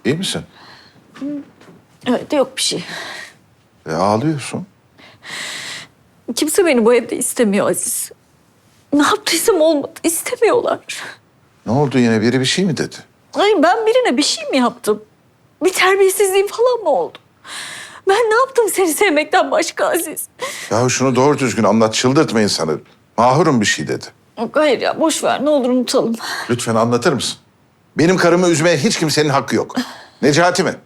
İyi misin? Evet, yok bir şey. Ağlıyorsun. Kimse beni bu evde istemiyor Aziz. Ne yaptıysam olmadı. İstemiyorlar. Ne oldu yine? Biri bir şey mi dedi? Ay ben birine bir şey mi yaptım? Bir terbiyesizliğim falan mı oldu? Ben ne yaptım seni sevmekten başka Aziz? Ya şunu doğru düzgün anlat. Çıldırtma insanı. Mahurum bir şey dedi. Yok, hayır ya boş ver ne olur unutalım. Lütfen anlatır mısın? Benim karımı üzmeye hiç kimsenin hakkı yok. Necati mi?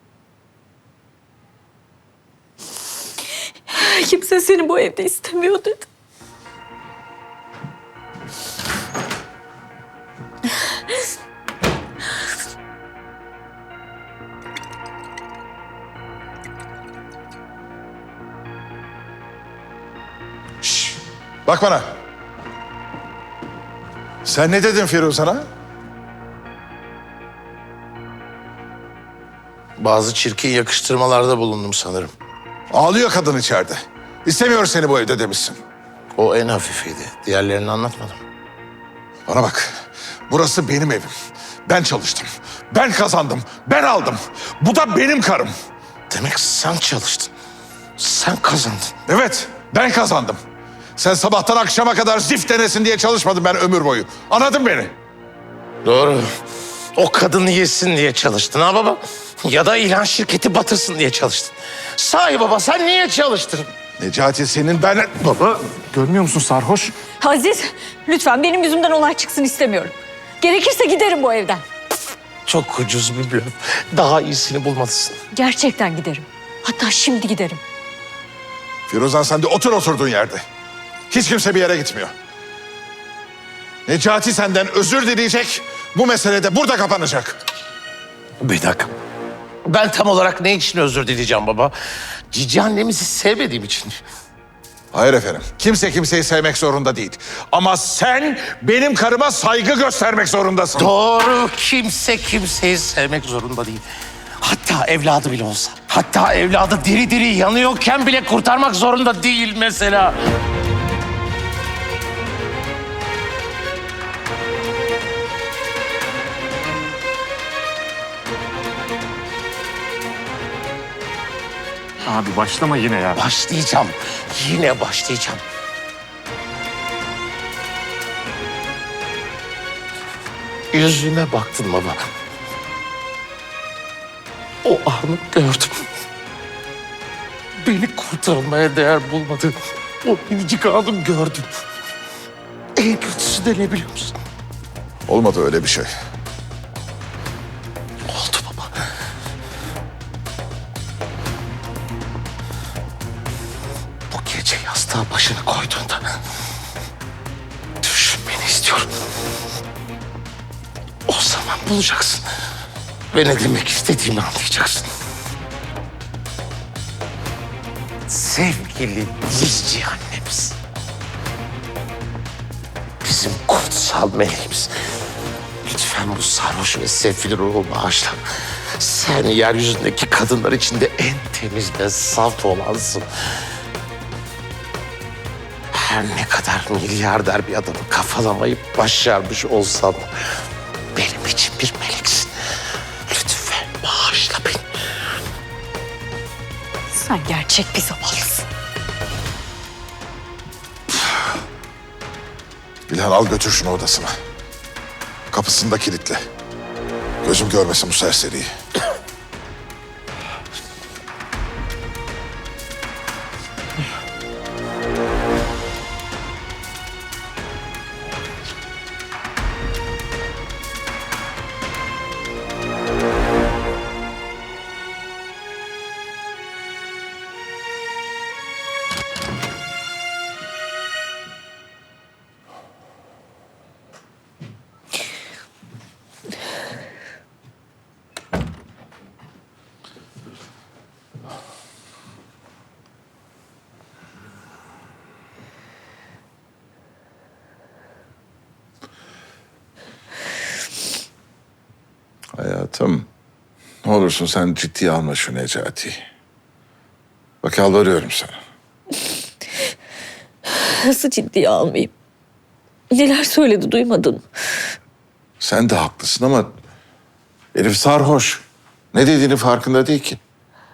Kimse seni bu evde istemiyor dedi. Şşş! Bak bana. Sen ne dedin Firuzan'a? Bazı çirkin yakıştırmalarda bulundum sanırım. Ağlıyor kadın içeride. İstemiyor seni bu evde demişsin. O en hafifiydi. Diğerlerini anlatmadım. Bana bak. Burası benim evim. Ben çalıştım. Ben kazandım. Ben aldım. Bu da benim karım. Demek sen çalıştın. Sen kazandın. Evet, ben kazandım. Sen sabahtan akşama kadar zift denesin diye çalışmadın ben ömür boyu. Anladın beni? Doğru. O kadını yesin diye çalıştın ha baba? Ya da ilan şirketi batırsın diye çalıştın. Sahi baba sen niye çalıştın? Necati senin ben... Baba, görmüyor musun sarhoş? Aziz lütfen benim yüzümden olay çıksın istemiyorum. Gerekirse giderim bu evden. Çok ucuz bir blöf. Daha iyisini bulmalısın. Gerçekten giderim. Hatta şimdi giderim. Firuzan sen de otur oturduğun yerde. Hiç kimse bir yere gitmiyor. Necati senden özür dileyecek. Bu mesele de burada kapanacak. Bir dakika. Ben tam olarak ne için özür dileyeceğim baba? Cici annemizi sevmediğim için. Hayır efendim. Kimse kimseyi sevmek zorunda değil. Ama sen benim karıma saygı göstermek zorundasın. Doğru. Kimse kimseyi sevmek zorunda değil. Hatta evladı bile olsa. Hatta evladı diri diri yanıyorken bile kurtarmak zorunda değil mesela. Abi başlama yine ya. Başlayacağım. Yine başlayacağım. Yüzüme baktın baba. O anı gördüm. Beni kurtarmaya değer bulmadın. O minicik anı gördüm. En kötüsü de ne biliyor musun? Olmadı öyle bir şey. Oldu baba. Bu gece yastığa başını koyduğunda düşünmeni istiyorum. O zaman bulacaksın. Ve ne demek istediğimi anlayacaksın. Sevgili Dizci annemiz. Bizim kutsal meleğimiz. Lütfen bu sarhoş ve sefil ruhu bağışla. Sen yeryüzündeki kadınlar içinde en temiz ve saf olansın. Her ne kadar milyarder bir adamı kafalamayı başarmış olsan da benim için bir meleksin. Lütfen bağışla beni. Sen gerçek bir zavallısın. İlhan al götür şunu odasına. Kapısını da kilitle. Gözüm görmesin bu serseriyi. Hayatım, ne olursun sen ciddiye alma şu Necati'yi. Bak yalvarıyorum sana. Nasıl ciddiye almayayım? Neler söyledi duymadın mı? Sen de haklısın ama herif sarhoş. Ne dediğinin farkında değil ki.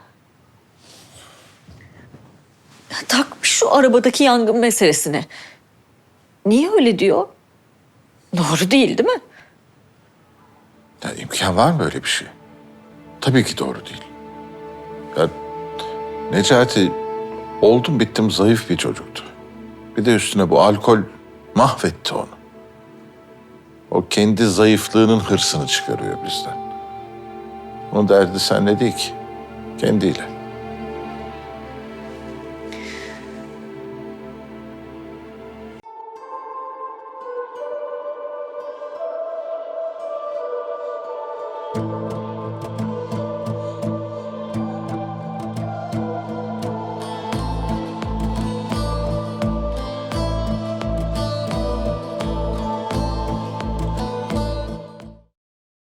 Takmış şu arabadaki yangın meselesine. Niye öyle diyor? Doğru değil, değil mi? Ya imkan var mı öyle bir şey? Tabii ki doğru değil. Ya Necati oldum bittim zayıf bir çocuktu. Bir de üstüne bu alkol mahvetti onu. O kendi zayıflığının hırsını çıkarıyor bizden. Onun derdi seninle değil ki. Kendiyle.